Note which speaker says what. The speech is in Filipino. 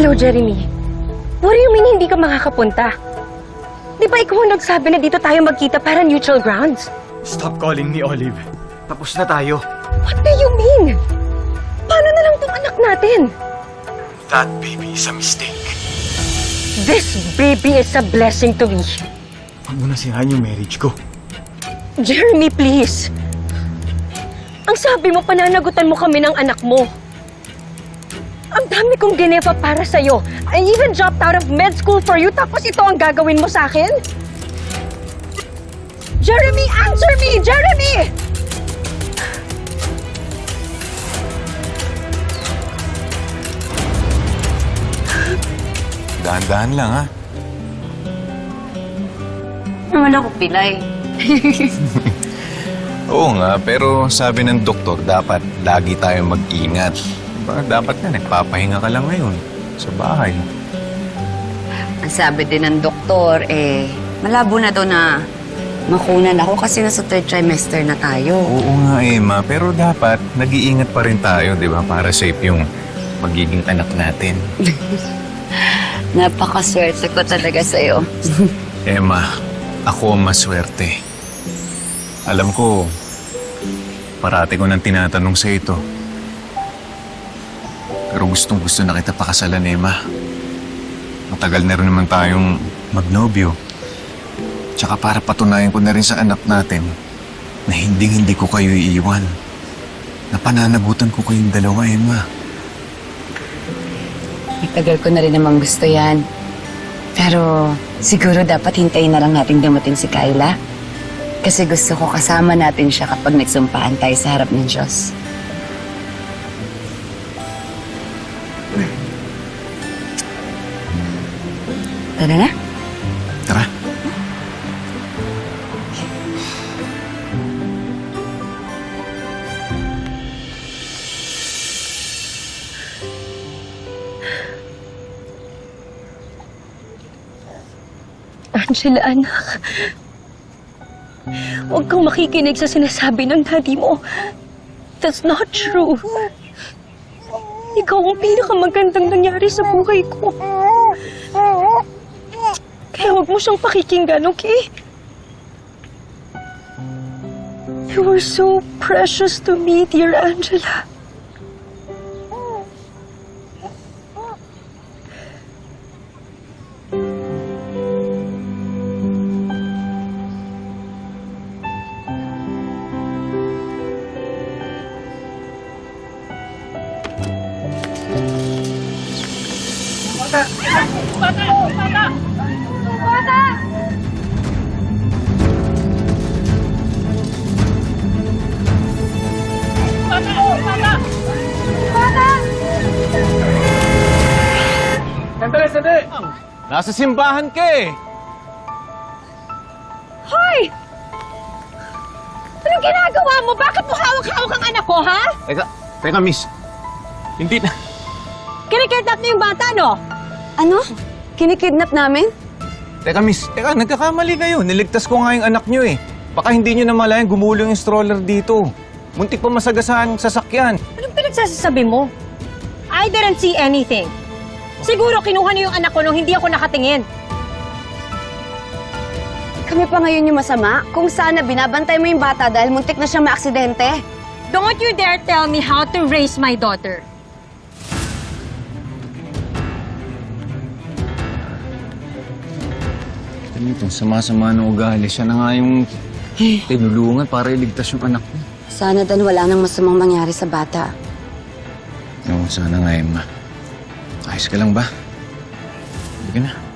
Speaker 1: Hello, Jeremy. What do you mean hindi ka makakapunta? Di ba ikaw ang nagsabi na dito tayo magkita para neutral grounds?
Speaker 2: Stop calling me Olive. Tapos na tayo.
Speaker 1: What do you mean? Paano na lang tong anak natin?
Speaker 2: That baby is a mistake.
Speaker 1: This baby is a blessing to me.
Speaker 2: Huwag mo na sirahan yung marriage ko.
Speaker 1: Jeremy, please. Ang sabi mo, pananagutan mo kami ng anak mo. Ang dami kong gineva para sa'yo. I even dropped out of med school for you, tapos ito ang gagawin mo sa akin? Jeremy, answer me! Jeremy!
Speaker 3: Dahan-dahan lang, ha?
Speaker 4: Naman ako pilay.
Speaker 3: Oo nga, pero sabi ng doktor, dapat lagi tayong mag-ingat. Dapat na, nagpapahinga ka lang ngayon sa bahay.
Speaker 4: Ang sabi din ng doktor, malabo na daw na makunan ako kasi nasa 3rd trimester na tayo.
Speaker 3: Oo nga, Emma, pero dapat nag-iingat pa rin tayo, di ba? Para safe yung magiging anak natin.
Speaker 4: Napakaswerte ko talaga sa'yo.
Speaker 3: Emma, ako ang maswerte. Alam ko, parati ko nang tinatanong sa ito. Pero gustong-gusto na kita pakasalan, Emma. Matagal na rin naman tayong magnobyo. Tsaka para patunayan ko na rin sa anak natin na hindi ko kayo iiwan. Na pananagutan ko kayong dalawa, Emma.
Speaker 4: Matagal ko na rin namang gusto yan. Pero siguro dapat hintayin na lang natin dumating si Kyla. Kasi gusto ko kasama natin siya kapag nagsumpaan tayo sa harap ng Diyos. Tara na.
Speaker 3: Tara.
Speaker 1: Angela, anak. Huwag kang makikinig sa sinasabi ng daddy mo. That's not true. Ikaw ang pinakamagandang nangyari sa buhay ko. Kaya huwag mo siyang pakikinggan, okay? You were so precious to me, dear Angela.
Speaker 2: Sandali!
Speaker 3: Nasa simbahan ka eh!
Speaker 1: Hoy! Anong ginagawa mo? Bakit mo hawak-hawak ang anak ko, ha?
Speaker 3: Teka, miss. Hindi na.
Speaker 1: Kinikidnap niyo yung bata, no?
Speaker 4: Ano? Kinikidnap namin?
Speaker 3: Teka, miss. Teka, nagkakamali kayo. Niligtas ko nga yung anak nyo eh. Baka hindi nyo namalayan gumulong yung stroller dito. Muntik pa masagasaan sa sasakyan.
Speaker 1: Anong pinagsasabi mo? I didn't see anything. Siguro kinuha niyo yung anak ko nung hindi ako nakatingin.
Speaker 4: Kami pa ngayon yung masama? Kung sana binabantay mo yung bata dahil muntik na siyang maaksidente?
Speaker 1: Don't you dare tell me how to raise my daughter.
Speaker 3: Ito, sama-sama ng ugali. Siya na nga yung tinulungan para iligtas yung anak ko.
Speaker 4: Sana dan wala nang masamang mangyari sa bata.
Speaker 3: Oo, sana nga, Emma. Ayos ka lang ba? Hindi ka na.